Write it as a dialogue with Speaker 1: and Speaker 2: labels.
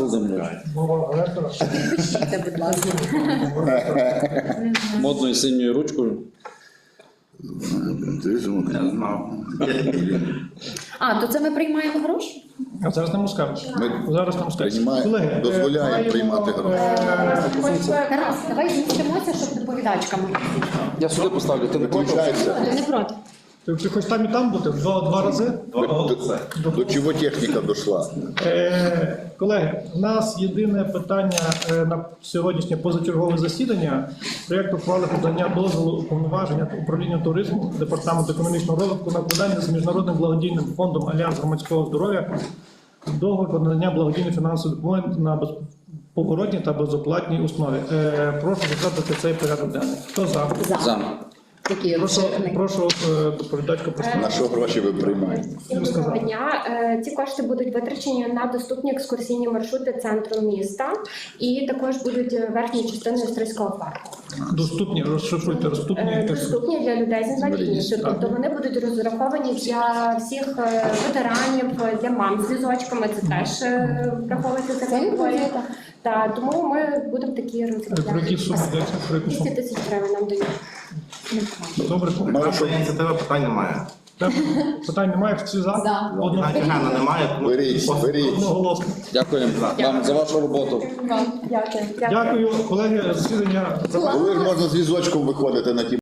Speaker 1: Володимирович.
Speaker 2: Підпишіться, будь ласка.
Speaker 1: Модною синьою ручкою.
Speaker 2: А, то це ми приймаємо гроші?
Speaker 3: А зараз не Мускавич. Зараз не Мускавич.
Speaker 4: Приймає, дозволяє
Speaker 3: маємо,
Speaker 4: приймати гроші.
Speaker 2: Тарас, давай змістимося, щоб доповідачка могла.
Speaker 1: Я сюди поставлю, ти не проти?
Speaker 4: Виключається.
Speaker 2: Ти не проти?
Speaker 3: Ти хочеш там і там бути? Два рази?
Speaker 4: До чого техніка дійшла?
Speaker 3: Колеги, у нас єдине питання на сьогоднішнє позачергове засідання. Проєкт ухвали подання дозволу уповноваження управління туризму Департаменту економічного розвитку на укладання з Міжнародним благодійним фондом Альянс громадського здоров'я договір про надання благодійної фінансової допомоги на безповоротній та безоплатній основі. Прошу затвердити цей порядок денний. Хто за?
Speaker 1: За.
Speaker 2: Такий
Speaker 3: Прошу,
Speaker 2: розширений.
Speaker 3: прошу доповідачку представити.
Speaker 4: На що гроші ви приймаєте?
Speaker 5: Доброго дня. Ці кошти будуть витрачені на доступні екскурсійні маршрути центру міста і також будуть верхньою частиною Стрийського парку.
Speaker 3: Доступні, розшифруйте, доступні.
Speaker 5: Доступні для людей з інвалідністю. Тобто вони будуть розраховані для всіх ветеранів, для мам з візочками. Це теж враховується ця категорія. Та тому ми будемо такі
Speaker 3: Про які
Speaker 5: розробляти.
Speaker 3: суми йдеться? Про які
Speaker 5: 200
Speaker 3: суми?
Speaker 5: тисяч гривень нам дають.
Speaker 3: Добре.
Speaker 4: Наша
Speaker 6: Ініціатива питань немає.
Speaker 3: Так, питань немає, всі за?
Speaker 2: За.
Speaker 3: Одного-
Speaker 6: Ганна немає, тому
Speaker 4: беріть.
Speaker 3: Одноголосно.
Speaker 1: Дякую вам за вашу роботу.
Speaker 5: Дякую.
Speaker 3: Дякую, колеги, засідання.
Speaker 4: Коли ж можна з візочком виходити на ті